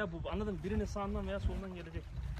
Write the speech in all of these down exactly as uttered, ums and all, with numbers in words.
ya bu, anladın mı? Birinin sağından veya solundan gelecek.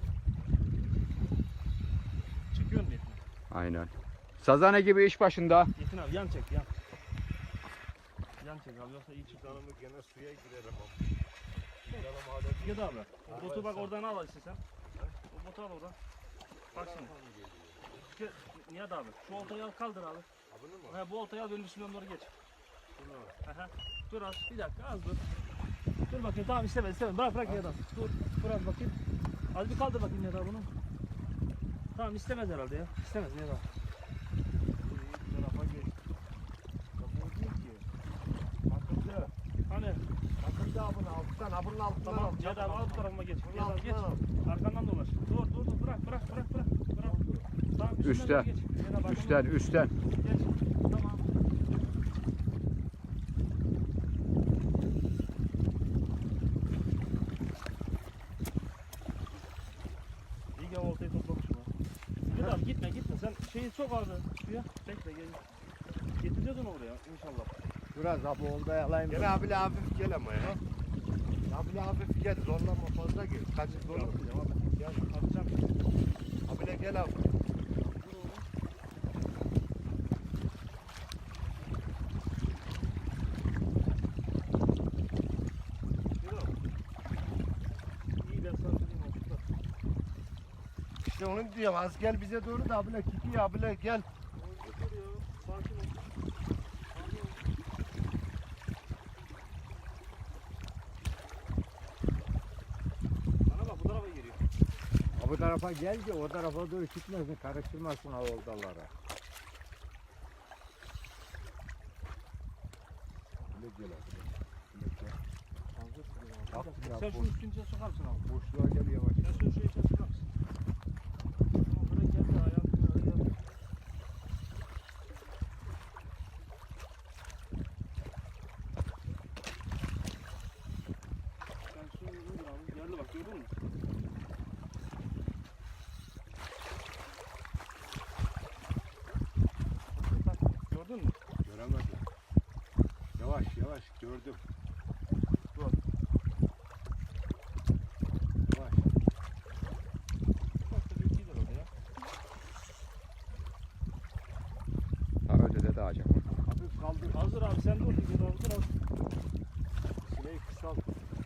Çekiyor mu Yetin? Aynen. Sazane gibi iş başında. Yetin abi yan çek yan. Yan çek abi yoksa iyi çıkar. Canımı gene suya girerim ama. Gel abi. O botu bak oradan al işte sen. O botu al oradan. Bak şimdi. Gel, Nihat abi şu oltayı al kaldır abi. Bunu mu? He, bu oltayı al benim üstümden doğru geç. Aha. Dur az bir dakika az dur. Dur bakayım tamam istemez istemez bırak bırak Nihat abi. Dur bırak bakayım. Az bir kaldır bakayım Nihat abi bunu. Tamam istemez herhalde ya. İstemez Nihat abi. Bu tarafa geç. Kapı değil ki. Akıllı. Hani Akıllı abone alttan. Abunun altından tamam al. Nihat abi al bu tarafıma geç. Bunun Nihat abi geç. altından al. Arkandan dolaş. Dur dur dur bırak bırak bırak bırak. Bırak. Tamam üstünden Üstten. doğru geç. Nihat abi, Üstten, arkandan üstten. geç. Tamam. İyi ki oltayı toplamışım ha. Nihat abi gitme gitme sen şeyi sok abi suya. Bekle gel. Getireceğiz onu oraya inşallah. Biraz abi oldu yalayım. Gel abi hafif gel ama ya. Abi hafif gel. Zorlama fazla gel. Kaçı zorlama. Gel atacağım. Abi gel abi. İyi ben sana söyleyeyim abi. Tut. İşte onu diyorum. Az gel bize doğru da abile kiki abile gel. Getir ya. Sakin ol. Sakin ol. Bana bak bu tarafa geliyor. Bu tarafa gel ki o tarafa doğru gitmesin. Karıştırmasın avuldalara. Öyle gel abi. Öyle gel. Bak ya, Sen boş- şunun üstüne sokar mısın abi? Boşluğa gel yavaş. Sen şunu şuraya içine sokar mısın? Tamam buraya gel de ayağını buraya gel. Sen şunu vur abi. Geldi bak gördün mü? Bak, gördün mü? Göremedim. Yavaş yavaş gördüm. Dur. Yavaş. Bak da büyük gider orada ya. Daha ötede de acaba. Hafif kaldır. Hazır abi sen dur. Bir dur hazır abi. Sineği kısalt.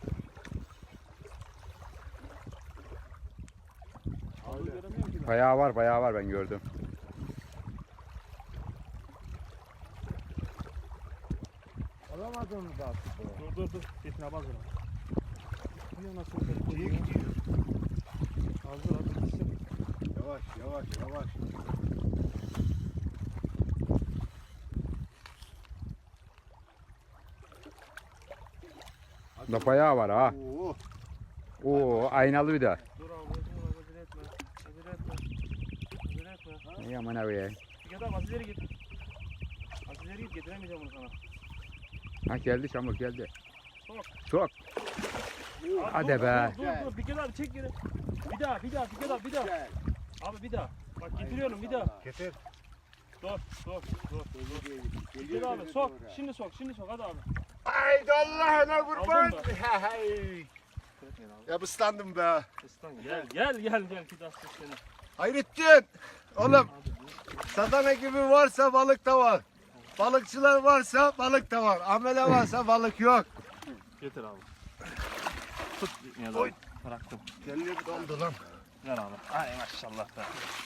Abi Öyle. göremiyorum ki ben. Bayağı var, bayağı var ben gördüm. Alamadın mı daha sıkı? Dur dur dur. Yetin abi hazır abi. Niye nasıl yukarı Niye koyuyor? gidiyor? Hazır abi gitsin. Yavaş yavaş yavaş. Da bayağı var ha. Oo. Oo, aynalı bir de. Dur abi dur abi acele etme. Acele etme. Acele etme. İyi aman abi ya. Git abi az ileri git. Az ileri git getiremeyeceğim bunu sana. Ha geldi çamur geldi. Sok. Sok. Abi Hadi dur, be. Dur dur dur bir kere abi çek geri. Bir daha bir daha bir kere bir daha. Gel. Abi bir daha. Bak getiriyorum bir daha. Getir. Dur dur dur. Bir daha abi sok. Şimdi sok şimdi sok hadi abi. Haydi Allah'ına kurban. Aldın mı? Hey. Ya ıslandım be. Islan gel gel gel gel bir daha seni. Hayrettin. Oğlum sadana gibi varsa balık da var. Balıkçılar varsa balık da var. Amele varsa balık yok. Getir abi. Tut ya Oy. bıraktım. Kendi dondu lan. Ver abi. Ay maşallah be.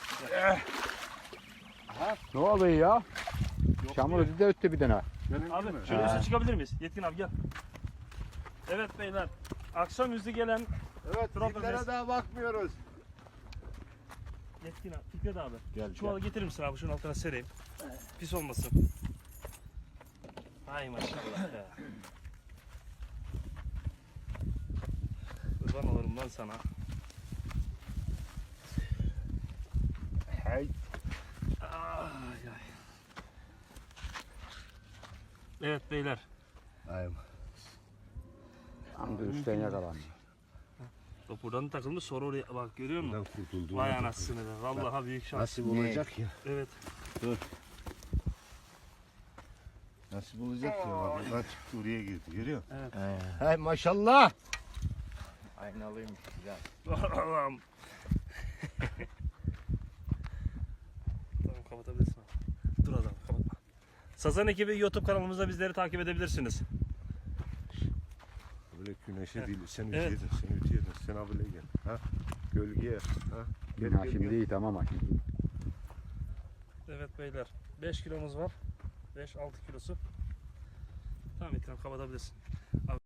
Ne oluyor ya? Yok Çamur diyor. ötede de öttü bir tane. Abi şöyle Ha. üstüne çıkabilir miyiz? Yetkin abi gel. Evet beyler. Akşamüstü gelen Evet Profesör. zillere daha bakmıyoruz. Yetkin abi. Fikret abi. Gel, Çuvalı getirir misin abi? Şunun altına sereyim. Pis olmasın. Ay maşallah be. Kurban olurum lan sana. Hey. Ay ay. Evet beyler. Ay. Tam da üstten yakalandı. Bak buradan takılmış sonra oraya bak görüyor musun? Buradan kurtuldum. Vay anasını be. Vallahi büyük şans. Nasip olacak ya. Evet. Nasip olacak ya. Bak buradan çıktı oraya girdi. Görüyor musun? Evet. Hey maşallah. Aynalıymış güzel. Allah'ım. Tamam kapatabilirsin abi. Dur adam kapatma. Sazan ekibi YouTube kanalımızda bizleri takip edebilirsiniz. Böyle güneşe değil, sen Evet. ütüyedin, sen ütüyedin, sen abile gel. Ha? Gölgeye, ha? Gel, Ha, gel, şimdi gel. iyi tamam ha şimdi. Evet beyler. beş kilomuz var. beş altı kilosu. Tamam İkram kapatabilirsin.